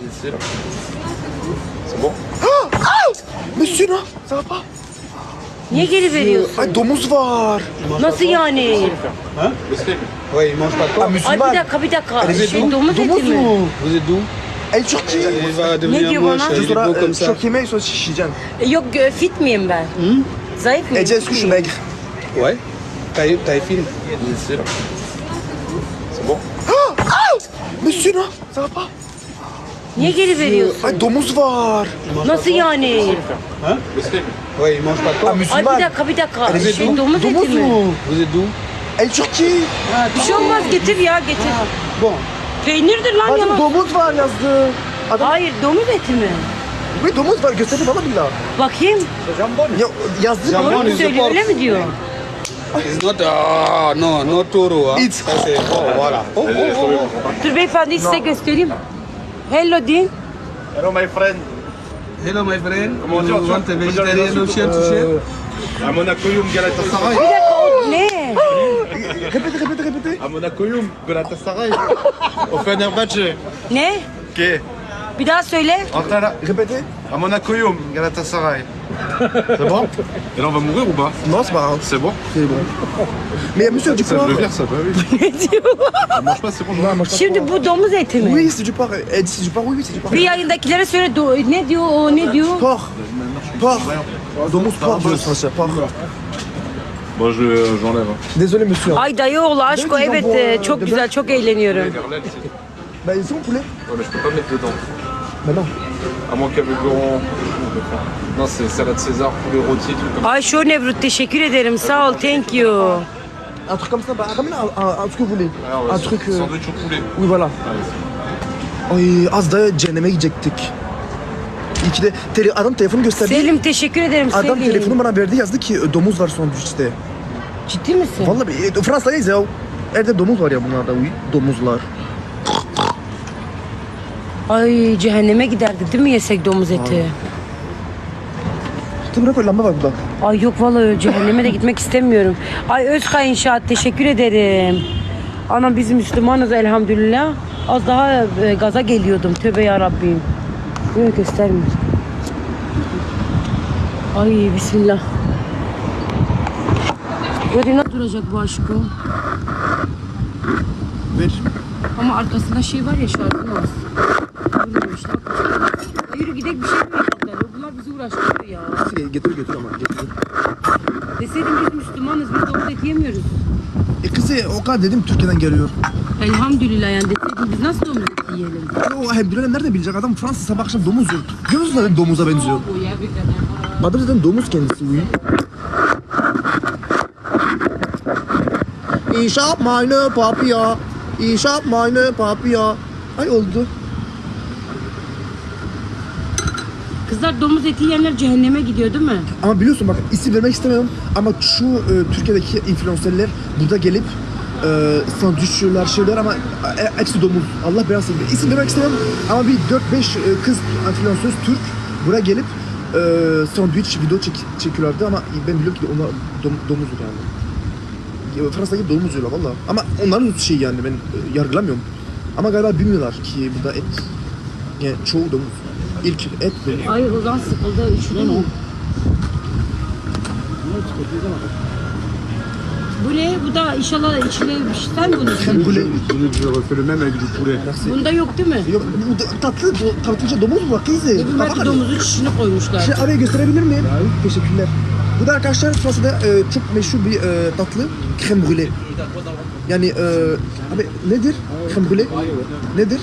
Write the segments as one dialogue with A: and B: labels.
A: ici là. C'est bon?
B: Monsieur non, ça va pas?
C: Niye geri veriyorsun?
B: Ay domuz var.
C: Nasıl yani?
A: Hein? Le steak.
D: Ouais, il mange pas de
B: Ah
D: porc.
B: Müslüman.
C: Ay bir dakika.
B: Elle est d'où?
C: Domuz eti
B: Domuz
C: mi?
B: mu?
D: Vous êtes d'où?
B: Ay Türkiye.
D: Il va
C: Ne
D: devenir
C: diyor
D: moche,
C: bana?
D: il est
B: Sonra
D: beau comme ça.
B: çok yemeği sonra şişeceksin.
C: Yok fit miyim ben? Zayıf mıyım?
B: Ece est-ce que je suis maigre?
D: Ouais. Taille fine.
A: Ici là. C'est bon?
B: Monsieur non, ça va pas?
C: Niye geri veriyorsun?
B: Ay domuz var.
C: Nasıl yani?
A: Hein? Le steak.
D: Ouais, il mange pas de
B: Ah
D: porc.
C: Ay
B: Müslüman.
C: bir dakika.
B: Elle est d'où?
C: Domuz eti
B: Domuz
C: mi?
B: mu?
D: Vous êtes d'où?
B: Ay Türkiye.
C: Bir şey olmaz getir ya getir.
D: Bon.
C: Peynirdir lan
B: Bacım
C: yalan.
B: domuz var yazdı. Adam,
C: Hayır domuz eti mi?
B: bir domuz var gösterdi bana billah.
C: Bakayım.
B: Ya, yazdı
D: Jambon.
B: bana.
C: Doğru mu
D: is the
C: söylüyor
D: pork.
C: öyle mi diyor?
D: It's not... Ah, non, not taureau. Hein.
B: It's-
D: Ça, c'est... Oh, voilà. Oh, oh, oh, oh.
C: Dur beyefendi size göstereyim. Hello deyin.
A: Hello my friend.
D: Hello, my friend.
A: Comment dire,
D: You want a
A: tu-
D: vegetarian option to share?
A: À Monacoium Galatasaray.
C: Bir dakika o ne?
B: Répétez.
A: À Monacoium Galatasaray. Au Fenerbahçe.
C: Ne?
A: Ok.
C: Bir daha söyle.
A: Antala.
B: Répétez.
A: À Monacoum Galatasaray. C'est bon? Et là on va mourir ou pas?
B: Non, c'est pas grave.
A: C'est bon?
B: C'est bon. Mais monsieur du
A: Ça
B: porc.
A: je le vire ça, bah oui.
C: Ne diyor?
A: On mange pas, c'est bon.
B: Non, moi je
C: Şimdi bu domuz eti mi?
B: Oui, c'est du porc. Elle dit c'est du porc, oui, c'est du porc.
C: Bir yayındakilere söyle ne diyor o ne diyor?
B: Porc. Porc. Domuz porc diyor sana porc.
A: Bon j'enlève. Hein.
B: Désolé monsieur.
C: Ay dayıoğlu aşk o
B: Ne
C: evet
B: diyeceğim bu,
C: çok
B: dede?
C: güzel çok eğleniyorum.
A: Verlaine, c'est...
B: Bah ils sont poulet.
A: Ouais mais je peux pas mettre dedans.
B: Bah non.
A: À moins qu'avec Laurent... Non c'est salade César, poulet rôti, truc comme ça.
C: Ay şu Nevrut teşekkür ederim sağ ol thank you.
B: Un truc comme ça, bah ramène un truc que vous voulez.
A: Ah ouais,
B: Un truc...
A: Sandwich au poulet.
B: Oui voilà. Ay az daha cehenneme gidecektik. İyi ki de adam telefonu gösterdi.
C: Selim teşekkür ederim
B: Adam
C: Selim.
B: telefonu bana verdi yazdı ki domuz var sandviçte.
C: Ciddi misin?
B: Vallahi Fransa'dayız ya. Evde domuz var ya bunlarda. Oui, domuzlar.
C: Ay cehenneme giderdik değil mi yesek domuz eti?
B: Tabii bırak lamba var burada.
C: Ay yok vallahi cehenneme de gitmek istemiyorum. Ay Özkay İnşaat teşekkür ederim. Anam biz Müslümanız elhamdülillah. Az daha gaza geliyordum. Tövbe yarabbim. Böyle göstermiyor. Ay bismillah. Yerine duracak bu aşkım.
B: Ver.
C: Ama arkasında şey var ya şarkı var. Bilmiyormuşlar. Yürü gidelim bir şey mi yapacaklar? Bunlar bizi uğraştırıyor ya.
B: Getir ama getir.
C: Deseydim biz Müslümanız biz domuz eti yemiyoruz.
B: Kızı o kadar dedim Türkiye'den geliyor.
C: Elhamdülillah yani deseydim biz nasıl domuz eti yiyelim?
B: O hep bilen nerede bilecek adam Fransa sabah akşam domuz yiyor. Görüyorsun zaten domuza benziyor. Adam zaten domuz kendisi uyuyor. Ich hab meine Papier. Ich hab meine Papier. Ay oldu.
C: Kızlar domuz eti yiyenler cehenneme gidiyor değil mi?
B: Ama biliyorsun bak isim vermek istemiyorum ama şu Türkiye'deki influencerler burada gelip sandviç yiyorlar şeyler ama hepsi domuz. Allah belasını versin. İsim vermek istemiyorum ama bir 4-5 kız influencer Türk buraya gelip sandviç video çekiyorlardı ama ben biliyorum ki onlar domuzdur yani. Fransa'da domuz yiyorlar valla. Ama onların şey yani ben yargılamıyorum. Ama galiba bilmiyorlar ki burada et yani çoğu domuz. İlk et domuz.
C: Ay o zaman sıkıldı üşüdün mü? Bu ne? Bu da inşallah içine bir şey sen bunu.
B: Crème brûlée.
A: Je refais le même avec du poulet.
C: Bunda yok değil mi?
B: Yok bu tatlıca domuz mu var kızı?
C: Belki domuzun çişini koymuşlar.
B: Şey araya gösterebilir miyim? Teşekkürler. Bu da arkadaşlar Fransa'da çok meşhur bir tatlı crème brûlée. Yani abi nedir crème brûlée? Nedir?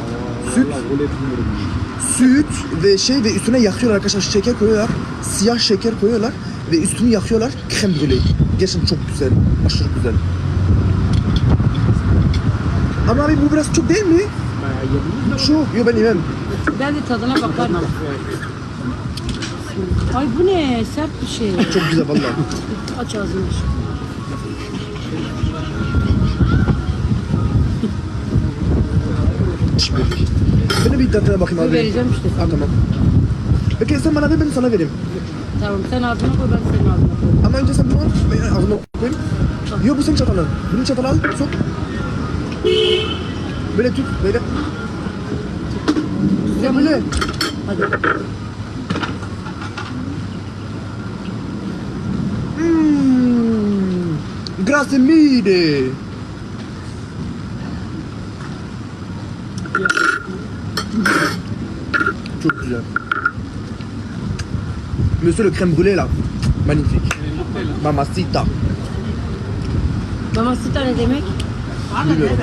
B: Süt ve şey ve üstüne yakıyorlar arkadaşlar şeker koyuyorlar. Siyah şeker koyuyorlar ve üstünü yakıyorlar crème brûlée. Gerçekten çok güzel. Aşırı güzel. Ama abi bu biraz çok değil mi? Çok. Yok ben yemem.
C: Ben de tadına bakarım. Ay bu ne? Sert bir şey.
B: Çok güzel vallahi.
C: Aç ağzını.
B: Ben de bir tadına bakayım abi.
C: Vereceğim işte sana.
B: Ha, tamam. Peki sen bana ver ben sana vereyim.
C: Tamam sen ağzına koy ben senin ağzına koyayım.
B: Ama önce sen bunu al, ben ağzına koyayım. Yok bu senin çatalın. Bunu çatalı al, sok. Böyle tut, böyle.
C: sen bunu.
B: Böyle.
C: Hadi.
B: Grazie mille. Çok güzel. Monsieur le crème brûlée là. Magnifique. Mamacita.
C: Mamacita ne demek?
B: Bilmiyorum.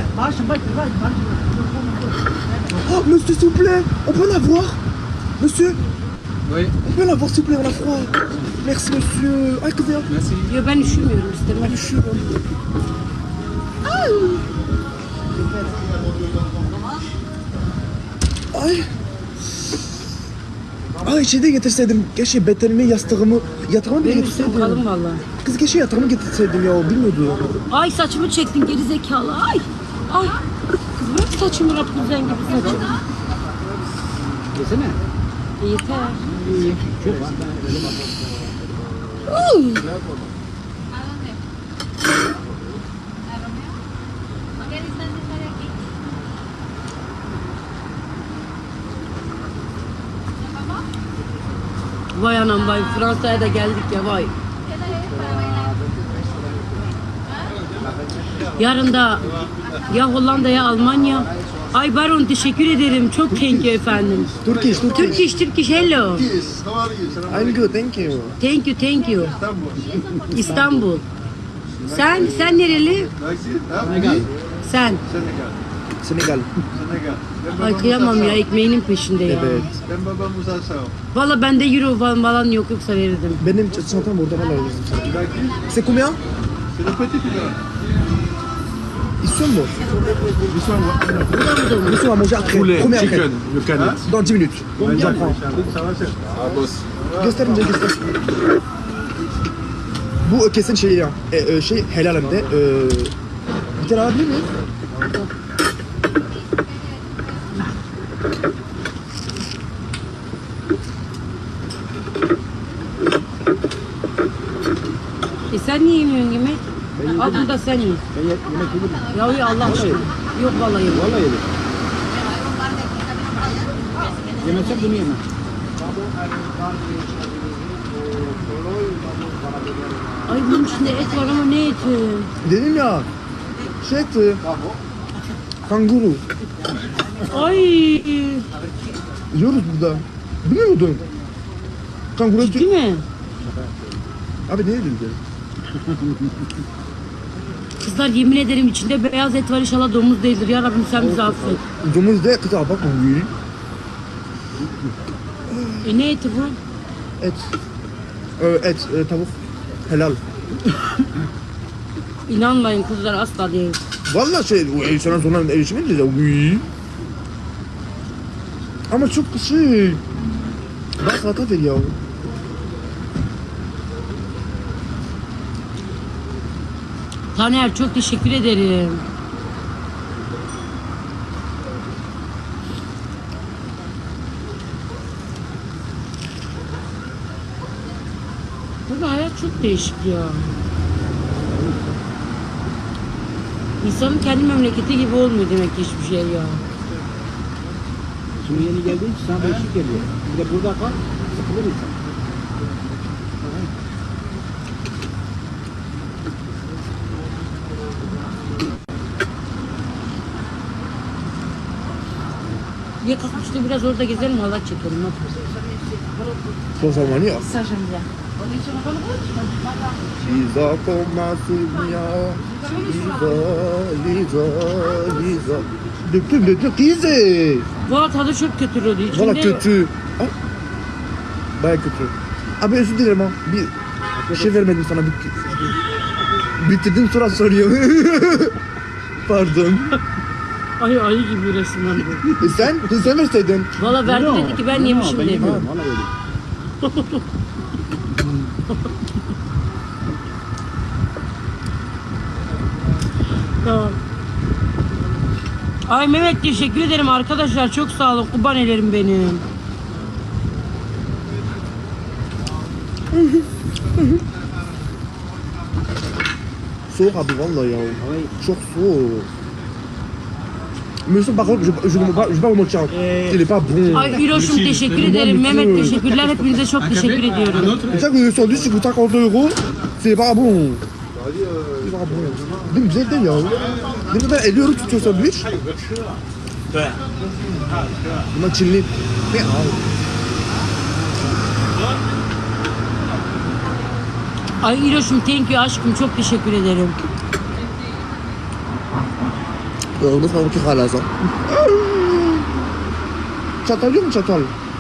B: Oh, monsieur, s'il vous plaît, on peut l'avoir? Monsieur,
D: Oui,
B: on peut l'avoir, s'il vous plaît, on a froid. Merci, monsieur. Ay kız ya.
D: merci.
C: Yo ben üşümüyorum istemem.
B: Ben üşüyorum. Ay. Ay şeyde getirseydim. Keşke betenimi, yatağımı bile
C: Benim üstüm
B: getirseydim.
C: kalın valla.
B: Kız keşke yatağımı getirseydim ya, o bilmiyordu.
C: Ay saçımı çektin geri zekalı. Ay. Ay. Kız bırak saçımı Rapunzel gibi saçımı.
D: Yesene.
C: Yeter. Vay anam vay Fransa'ya da geldik ya vay. Yarın da ya Hollanda ya Almanya. Ay Baron teşekkür ederim. Çok thank you efendim.
B: Turkish.
C: Turkish hello.
B: I'm good, thank you.
C: Thank you. İstanbul. Sen nereli? Sen.
B: Senegal.
C: Ay kıyamam ya ekmeğinin peşinde ya.
B: Evet.
C: Valla bende euro falan yok yoksa verirdim.
B: Benim çantam burada var lazım sana. C'est combien? İstiyor musun? Nous on va manger après.
A: Poulet,
B: Combien après?
A: chicken, le canette.
B: Dans 10 minutes. J'en prends.
A: Ah, boss.
B: Gösterince göster. Bu kesin şey ya. Şey helal hem de. Bir tane alabilir miyim?
C: Sen niye yemiyorsun yemek? Al bunu da sen ye. Ya uyu Allah aşkına. Yok vallahi yemem.
D: Vallahi yedim. Yemezsen bunu yemem.
C: Ay bunun içinde et var ama ne eti?
B: Dedim ya. Şey etti. Kanguru.
C: Ay.
B: Yiyoruz burada. Biliyor muydun? Kanguru eti.
C: Değil mi?
B: Abi ne edildi?
C: Kızlar yemin ederim içinde beyaz et var inşallah domuz değildir. Ya Rabbim sen bizi affet.
B: Domuz de kıza bakma.
C: Ne eti bu?
B: Et. Et, tavuk. Helal.
C: İnanmayın kızlar asla değil.
B: Vallahi şey, o sana sonra erişmeyince de uy. Ama çok şey. Bak salata ver ya.
C: Taner çok teşekkür ederim. Bu hayat çok değişik ya. İnsanın kendi memleketi gibi olmuyor demek ki hiçbir şey ya.
D: Şimdi yeni geldiği için sana değişik geliyor. Bir de burada kal, sıkılır insan.
C: Ya kalk işte biraz orada gezelim Allah çekelim. Ne yapıyorsun?
B: Son zamanı ya.
C: Ça j'aime bien.
B: Liza komasın ya. Liza. Döktüm Lize.
C: Valla tadı çok kötü oluyor. İçinde...
B: Valla kötü. Ay. Baya kötü. Abi özür dilerim ha. Bir şey vermedim sana. Bitirdim sonra soruyor. Pardon.
C: Ay ayı gibi resmen bu.
B: Sen verseydin.
C: Valla verdi dedi ki ben yemişim
D: Ben
C: dedi.
D: yemiyorum, vallahi yedim.
C: Tamam. Ay Mehmet teşekkür ederim arkadaşlar. Çok sağ olun. Kurban ederim benim.
B: Soğuk abi vallahi ya. Çok soğuk. Monsieur, par contre, je vais pas vous mentir. Il est pas bon.
C: Ay İroş'um teşekkür ederim. Mehmet teşekkürler. Hepinize çok teşekkür ediyorum.
B: C'est ça que le sandwich, il coûte 50 €. C'est pas bon. C'est pas bon. Değil mi? Güzel değil ya. Değil mi? Ben 50 € tutuyor sandviç. Bunlar Çinli. Ne abi?
C: Ay İroş'um thank you aşkım. Çok teşekkür ederim.
B: Nasıl bakı hala sen? Çatal yok mu çatal?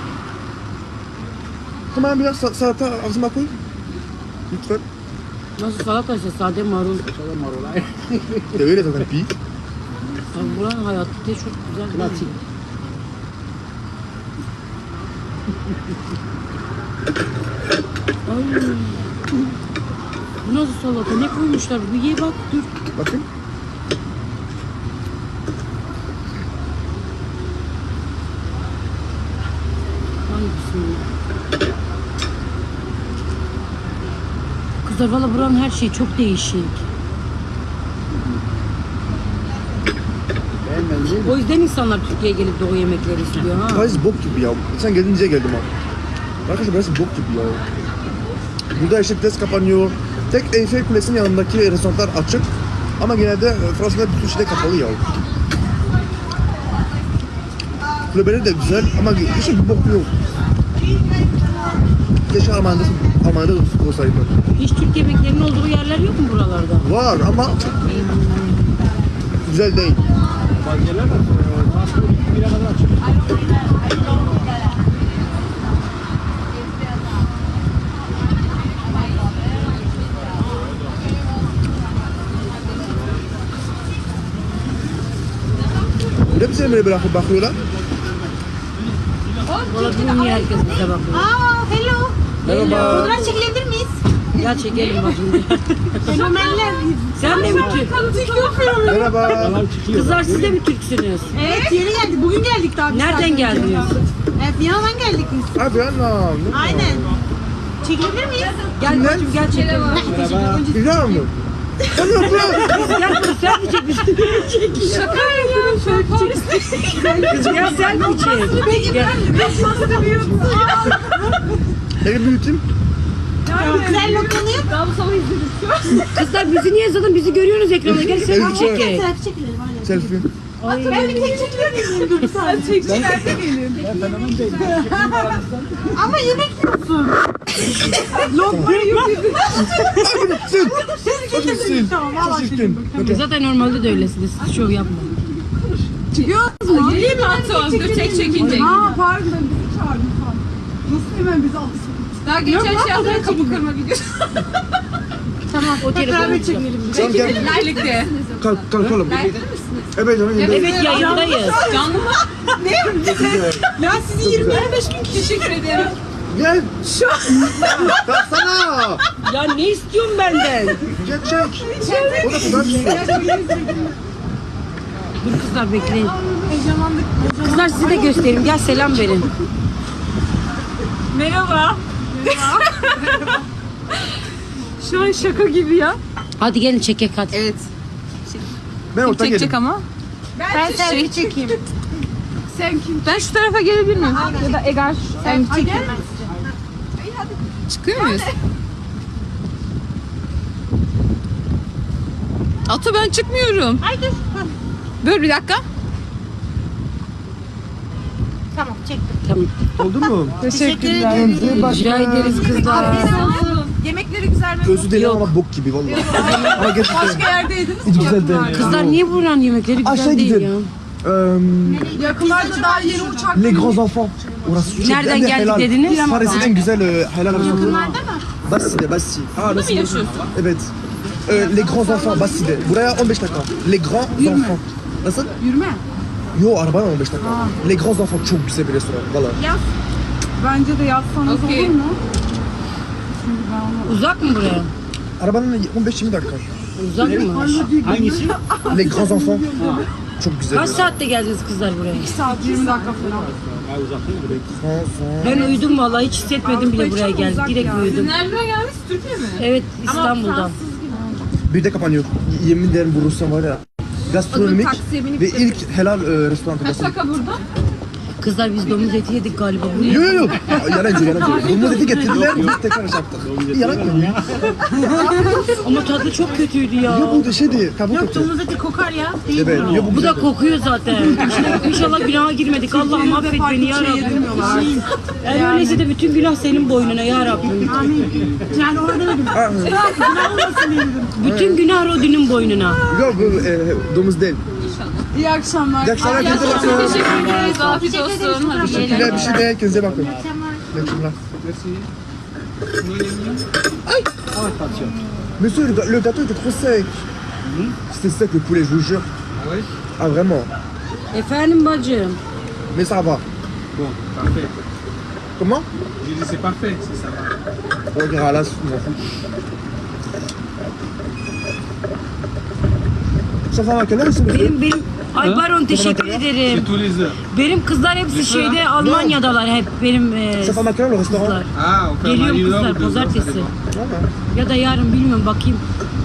B: Hemen biraz salata ağzıma koy. Lütfen.
C: Nasıl salata ise sade marul.
B: De öyle zaten pi.
C: Ay buranın hayatı da çok güzel. Ay. Bu nasıl salata? Ne koymuşlar? Bir ye bak dur.
B: Bakayım.
C: Ay bismillah. Kızlar valla buranın her şeyi çok değişik. O yüzden insanlar Türkiye'ye gelip de o yemekleri istiyor ha.
B: Burası bok gibi ya. Sen gelince geldim abi. Arkadaşlar burası bok gibi ya. Burada işte test kapanıyor. Tek Eyfel Kulesi'nin yanındaki restoranlar açık. Ama genelde Fransa'da bütün şeyler kapalı ya. Kulübeleri de güzel ama hiçbir bok yok. Keşke Almanya'da olsaydı.
C: Hiç Türk yemeklerinin olduğu yerler yok mu buralarda?
B: Var ama güzel değil. Burada bize böyle bırakıp bakıyorlar.
C: Valla bilmiyorum niye herkes bize bakıyor.
E: Hello.
B: Merhaba.
E: Fotoğraf çekilebilir miyiz?
C: Ya çekelim bacım.
E: Fenomenler.
C: Sen de mi Türk?
B: Merhaba.
C: Kızlar siz de mi Türksünüz?
E: Evet yeni geldik. Bugün geldik daha.
C: Nereden geldiniz?
E: Evet Viyana'dan geldik biz.
B: Abi anam.
E: Aynen. Çekilebilir miyiz?
C: Gel bacım gel çekelim.
B: Güzel mi? Sen yapıyorsun.
C: Gel kızım sen mi çekmiştin?
E: Şaka yapıyorum şu an Paris'te.
C: Kızım ya sen mi çek? Gel.
B: Eli büyüteyim.
E: Güzel lokmanı yap. Daha bu sabah izledik.
C: Kızlar bizi niye yazalım? Bizi görüyorsunuz ekranda. Gel selfie
B: Evet.
C: çekelim.
E: Selfie çekilelim aynen.
B: Selfie.
E: Ben bir tek çekilebilir miyim? Dur sen çekçilerde gelin. Ama yemek yiyorsun. Lokmayı yiyorsun.
B: Sil. Hadi sil.
E: Tamam valla
B: Çektim.
C: Zaten normalde de öylesiniz. Siz şov yapmayın.
E: Çıkıyoruz mu? Yürüyeyim mi Atom? Dur çek çekince. Aa pardon ben bizi çağırdım falan. Nasıl hemen bizi aldı? Daha geçen şey yaptılar kapı kırma videosu.
C: Tamam o telefonu çekelim.
B: Tamam gel.
E: Birlikte.
B: Kalkalım. Evet canım.
C: Evet yayındayız.
E: Canlı mı? Ne? Ya sizi 20-25 gün teşekkür ederim.
B: Gel. Şu. Kalksana.
C: Ya ne istiyorsun benden?
B: Gel çek. O da güzel bir şey.
C: Dur kızlar bekleyin.
E: Heyecanlandık.
C: Kızlar size de göstereyim. Gel selam verin.
E: Merhaba. Şu an şaka gibi ya.
C: Hadi gelin çekek hadi.
E: Evet.
B: Ben orta geldim.
E: Ama. Ben şey çekeyim. Sen kim? Ben şu tarafa gelebilir miyim? Ya da Egar. Sen çekeyim. Çıkıyor muyuz? Ata ben çıkmıyorum. Ay dur. Dur bir dakika.
C: Tamam.
B: Oldu mu?
E: Teşekkürler.
C: Rica ederiz kızlar.
E: Yemekleri güzel mi?
B: Özür dilerim ama bok gibi vallahi. Ama gerçekten.
E: Başka yerde yediniz
B: Hiç güzel değil.
C: Kızlar niye buranın yemekleri güzel
B: Aşağı
C: değil ya?
B: gidelim.
E: Yakınlarda daha yeni uçak.
B: Les grands enfants. Orası çok
C: Nereden
B: hem de
C: geldik
B: helal.
C: dediniz?
B: Paris'in en güzel helal restoranı.
E: Yakınlarda mı?
B: Bassi'de, Bassi. Aa, nasıl?
E: yaşıyorsun?
B: Evet. Les grands enfants Bassi'de. Buraya 15 dakika. Les grands enfants. Nasıl?
E: Yürüme.
B: Yo arabayla 15 dakika. Les grands enfants çok güzel bir restoran. Valla.
E: Bence de yazsanız olur mu?
C: Uzak mı buraya?
B: Arabanın 15-20 dakika.
C: Uzak mı?
B: Les grands enfants. Çok güzel.
C: Kaç saatte geldiniz kızlar buraya?
E: Saat 20 dakika falan.
C: Ben uyudum vallahi hiç hissetmedim bile buraya geldik. Direkt uyudum.
E: Nereden geldiniz? Türkiye mi?
C: Evet İstanbul'dan.
B: Bir de kapanıyor. Yemin ederim bu Rusya var ya. gastronomik
E: taksiye binip
B: ve
E: gidelim.
B: ilk helal restoran.
E: Kaç dakika burada?
C: Kızlar biz domuz eti yedik galiba. Bu ne?
B: Yok yok. Yalancı. Domuz eti getirdiler. Biz tekrar yaptık. Yalan mı?
C: Ama tadı çok kötüydü ya.
B: Ya bu da şeydi. Tavuk
C: Yok
B: eti.
C: domuz eti kokar ya. Değil
B: Evet.
C: mi?
B: Ya bu
C: Bu da
B: güzel.
C: kokuyor zaten. İnşallah günaha girmedik. Allah'ım affet beni ya Rabbim. Eğer öyleyse de bütün günah senin boynuna ya Rabbim.
E: Yani orada öyle.
C: Bütün günah Rodin'in boynuna.
B: Yok bu domuz değil.
E: İyi akşamlar.
B: İyi akşamlar.
E: İyi akşamlar. Teşekkür ederiz. Afiyet olsun. Hadi yiyelim.
B: Teşekkürler bir şey değil. Kendinize bakın. Teşekkürler. Aïe. Monsieur, le gâteau était trop sec. C'était sec le poulet, je vous jure.
D: Ah ouais?
B: Ah vraiment.
C: Efendim bacım.
B: Mais ça va.
D: Bon, parfait.
B: Comment?
D: Je dis c'est parfait, si ça va.
B: On verra là, je m'en fous. Ça va à quelle heure c'est monsieur?
C: Benim ay Baron teşekkür ederim.
D: C'est tous les heures.
C: Benim kızlar hepsi şeyde Almanya'dalar hep benim
B: Ça va à quelle heure le restaurant?
C: kızlar.
D: Ah, on fait
C: Geliyorum
D: une heure
C: kızlar
D: ou 2 heures, ça
C: pazartesi.
D: dépend.
B: Voilà.
C: Ya da yarın bilmiyorum bakayım.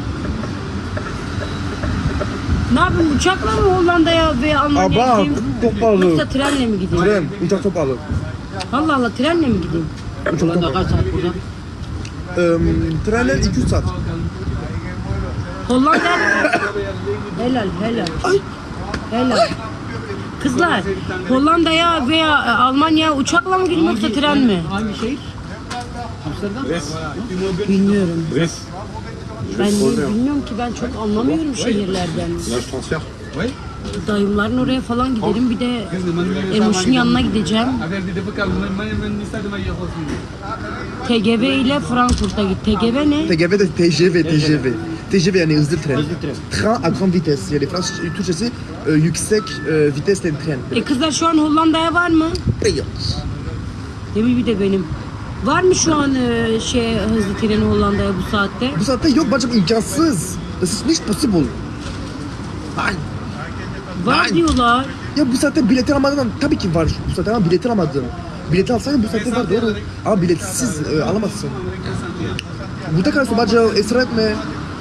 C: Ne yapayım uçakla mı Hollanda'ya ve
B: Ah
C: Almanya'ya
B: bah,
C: gideyim?
B: çok pahalı.
C: Yoksa trenle mi gideyim?
B: Tren, uçak çok pahalı.
C: Allah Allah trenle mi gideyim?
B: Uçak çok pahalı.
C: Kaç saat burada?
B: Trenler 200 saat.
C: Hollanda. Helal helal. Helal. Kızlar Hollanda'ya veya Almanya'ya uçakla mı gideyim yoksa tren mi? Bilmiyorum. Ben bilmiyorum ki ben çok anlamıyorum şehirlerden.
A: Là, je transfère.
D: Oui?
C: Dayımların oraya falan giderim bir de Emoş'un yanına gideceğim.
D: Avec des défauts, ça de manière aussi.
C: TGV ile Frankfurt'a git. TGV ne?
B: TGV de TGV. TGV yani hızlı tren. Train à grande vitesse. Yani Fransız Türkçesi yüksek vitesli tren.
C: Kızlar şu an Hollanda'ya var mı?
B: Yok.
C: Demir bir de benim. Var mı şu an hızlı treni Hollanda'ya bu saatte?
B: Bu saatte yok bacım imkansız. Das ist nicht possible. Ay.
C: Var
B: Nein.
C: diyorlar.
B: Ya bu saatte bileti almadan tabii ki var. Bu saatte ama bileti alamadım. Bileti alsaydın bu saatte var doğru. Ama biletsiz alamazsın. Burada kalırsın bacım ısrar etme.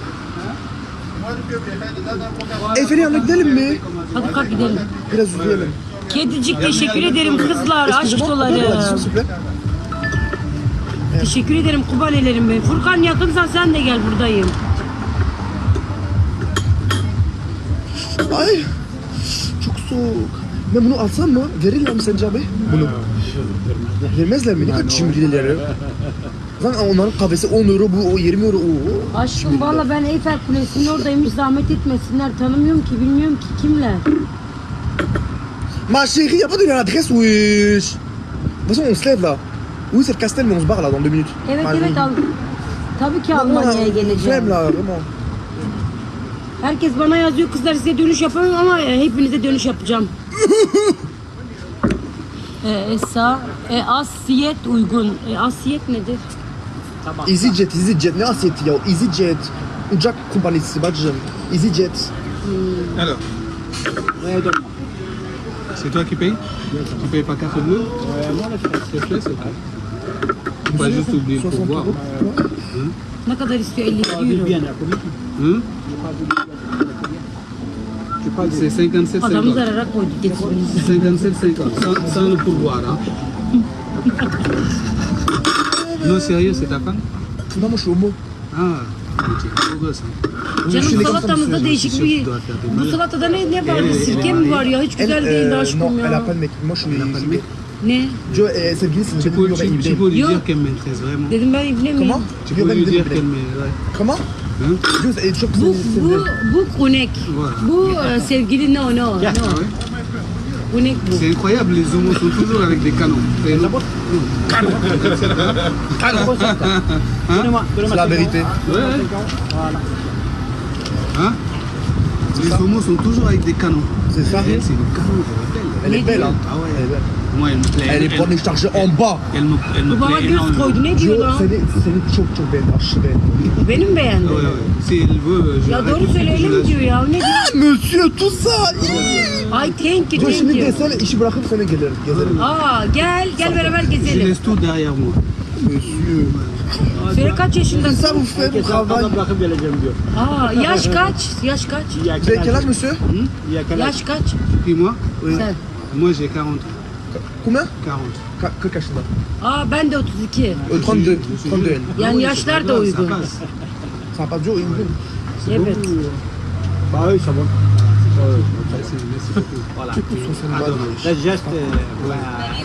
B: Efe'nin yanına gidelim mi?
C: Hadi kalk gidelim.
B: Biraz yürüyelim.
C: Kedicik teşekkür ederim kızlar. Aşk doları. Teşekkür ederim kubalelerim benim. Furkan yakınsan sen de gel buradayım.
B: Ay çok soğuk. Ben bunu alsam mı? Verirler mi sence abi? Bunu. Vermezler mi? Ne kadar cimrileri. Zaten onların kahvesi 10 euro, bu 20 euro. Oo.
C: Aşkım valla ben Eyfel Kulesi'nin oradayım. Hiç zahmet etmesinler. Tanımıyorum ki bilmiyorum ki kimler.
B: Ma chérie, y'a pas de l'adresse, wesh. De toute façon, on se lève là. Oui, c'est le Castel, mais on se barre là dans 2 minutes.
C: Evet
B: Allez.
C: evet al. Tabii ki
B: Non,
C: Almanya'ya
B: on
C: geleceğim.
B: flemme là, vraiment.
C: Herkes bana yazıyor kızlar size dönüş yapamam ama hepinize dönüş yapacağım. Asiyet uygun. Asiyet nedir?
B: EasyJet. Ne asiyeti ya? EasyJet. Uçak kompanisi bacım. EasyJet.
D: Alors. C'est toi qui payes? Tu payes par carte bleue? S'il te plaît, s'il te plaît. Faut pas juste oublier le
B: 60
D: pourboire.
B: euro.
C: Ne kadar istiyor? 52 euro.
D: Hein? C'est 57,50.
C: Adamı zarara koydu getirinizi.
D: 57,50. Sans le pourboire. Hein? Non, sérieux, c'est ta femme?
B: Non, moi je suis homo.
D: Ah, ok. Beau gosse, hein?
C: Canım salatamızda değişik bir... Bu salatada ne var? Sirke mi var ya? Hiç güzel değildi
B: non,
C: aşkım
B: elle a
C: ya.
B: pas de mec. Moi je suis gay.
C: Ne?
B: Joe, sevgilisi
D: Tu peux, tu peux lui
C: Yo.
D: dire qu'elle m'intéresse vraiment.
C: Dedim ben ibne miyim?
B: Comment?
D: Tu peux lui dire qu'elle m'est... Ouais.
B: Comment?
D: Hein?
B: Joe, çok
C: Bu,
B: güzel.
C: bu kunek.
D: Voilà.
C: Bu sevgili no.
D: Ah ouais?
C: Kunek bu.
D: C'est incroyable, les homos sont toujours avec des canons. C'est
B: C'est la vérité.
D: Ouais. Hein? Les homos sont toujours avec des canons.
B: C'est ça.
D: Elle, c'est le canon, je rappelle.
B: Elle est belle, hein.
D: Ah ouais.
B: Elle est belle.
D: Moi, elle me plaît.
B: Elle est bonne chargée en bas.
D: Elle me
C: Bu bana
D: plaît
C: göz
D: énormément.
C: koydu. Ne diyor
B: Joe,
C: lan?
B: seni çok beğendim. Aşırı beğendim.
C: Benim beğendim.
D: Ouais, ouais. Si elle veut, je
C: Ya
D: l'arrête
C: doğru
D: tout de
C: söyle
D: suite,
C: öyle
D: je
C: mi
D: la
C: diyor ya? Ne diyor?
B: Monsieur tout ça.
C: Ay thank you
B: Joe şimdi
C: thank you.
B: desene işi bırakıp sana gezerim.
C: Aa gel beraber
D: Je
C: gezelim.
D: laisse tout derrière moi.
B: Monsieur.
C: Söyle kaç
B: Ça
C: yaşındasın?
B: vous fait du travail.
F: bırakıp geleceğim diyor.
C: Aa, yaş kaç? Yaş kaç?
F: Il y a
B: Vous avez quel âge, monsieur?
F: Il y a quel âge?
C: Yaş kaç?
D: Puis moi,
C: Sen.
D: moi j'ai 40.
B: Combien?
D: 40.
B: 40 yaşında.
C: Aa ben de 32.
B: 32. 32 elle.
C: Yani yaşlar da
D: Ça
C: uygun.
D: passe.
B: Ça n'a pas duré une minute.
C: Evet.
F: Bah oui, ça va.
D: Merci, merci beaucoup.
F: Voilà.
D: Adorable.
F: Le geste, ouais.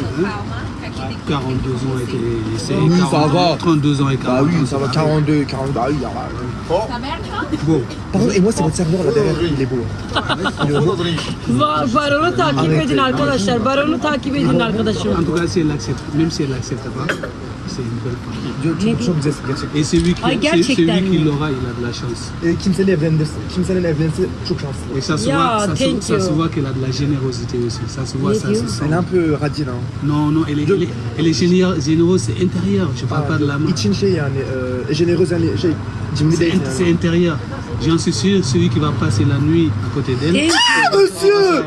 D: 42 ans et c'est
B: Oui, ça va.
D: 32 ans et 40
B: Bah oui,
D: ans,
B: ça va, 42, 40, bah oui, il y aura...
D: Bon,
B: Pardon, et moi c'est votre serveur là derrière, il est beau.
C: Baronu takip edin arkadaşlar. Baronu takip edin arkadaşım.
D: en tout cas, si elle accepte, même si elle n'accepte pas, c'est une belle femme.
B: Çok güzel gerçekten.
D: Et celui qui,
C: Ay, gerçekten
D: celui qui
C: mi?
D: l'aura, il a de la chance.
B: Kimsenin evlenirse çok şanslı.
D: Et ça se
C: Yeah,
D: voit,
C: thank
D: ça se
C: you.
D: voit qu'elle a de la générosité aussi. Ça se voit,
C: Mais
D: ça
C: Dieu.
D: se sent.
B: Elle est un peu radine hein.
D: Non, non, elle est généreuse, c'est intérieur. Je parle pas de la main.
B: İçin şey yani, generöz yani şey, cimri değil
D: C'est
B: yani.
D: intérieur. J'en suis sûr, celui qui va passer la nuit à côté d'elle,
C: Thank you.
B: Monsieur!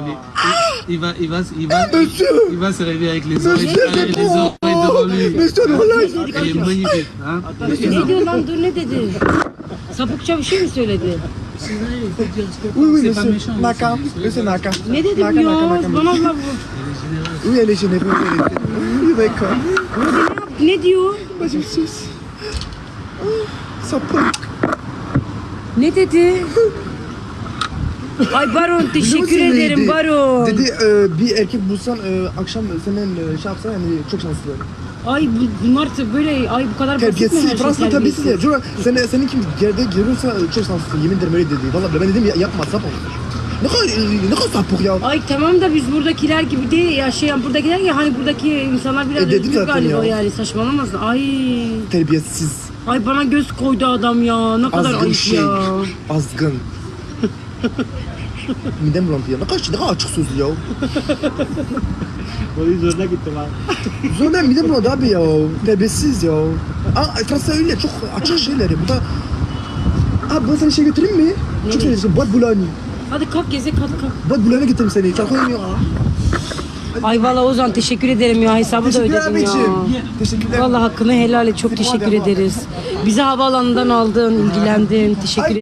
D: il va se réveiller avec les oreilles devant lui.
B: Monsieur Nolay!
D: Elle est magnifique. Hein?
C: Ne diyor lan dur ne dedi? Sapıkça bir şey mi söyledi?
B: Oui, oui,
D: C'est pas
B: monsieur.
D: méchant,
B: Naka. Monsieur Naka.
C: Ne dedi
B: Naka,
C: bu
B: Naka,
C: ya?
B: Naka.
C: Bana Allah bu.
B: Oui, elle est généreuse, elle est... Oui, d'accord.
C: Ne diyor?
B: Bah, je suis... Ça peut...
C: Ne dedi? Ay Baron teşekkür ederim Baron.
B: Dedi bir erkek bulsan akşam senin şey yapsan yani çok şanslı.
C: Ay bunlar böyle ay bu kadar basit mi
B: Terbiyesiz,
C: her şey
B: Fransa'da terbiyesiz ya.
C: terbiyesiz?
B: Senin kim yerde görürse çok şanslısın. Yemin ederim öyle dedi. Vallahi ben dedim yapma sapık. Ne kadar sapık ya.
C: Ay tamam da biz buradakiler gibi de yaşayan buradakiler ya hani buradaki insanlar biraz
B: dedim
C: özgür
B: zaten
C: galiba
B: ya.
C: yani saçmalamasın. Ay
B: Terbiyesiz,
C: ay bana göz koydu adam ya ne kadar
B: azgın
C: ayıp
B: şey,
C: ya.
B: azgın. Midem bulandı ya. Ne kadar açık sözlü ya.
F: Polis zoruna gitti bak.
B: Sonra midem bulandı abi ya. Terbiyesiz ya. Fransa öyle çok açık şeyler ya. Bu da... Abi ben sana şey götüreyim mi? Çok seviyorsun. Boîte Boulogne.
C: Hadi kalk gezek hadi kalk.
B: Boîte Boulogne'a getireyim seni. Çalkayım ya.
C: Ay valla Ozan teşekkür ederim ya hesabı da
B: Teşekkürler
C: ödedim ya.
B: abicim. Teşekkürler.
C: Valla hakkını helal et çok teşekkür ederiz. Bizi havaalanından aldın ilgilendin teşekkür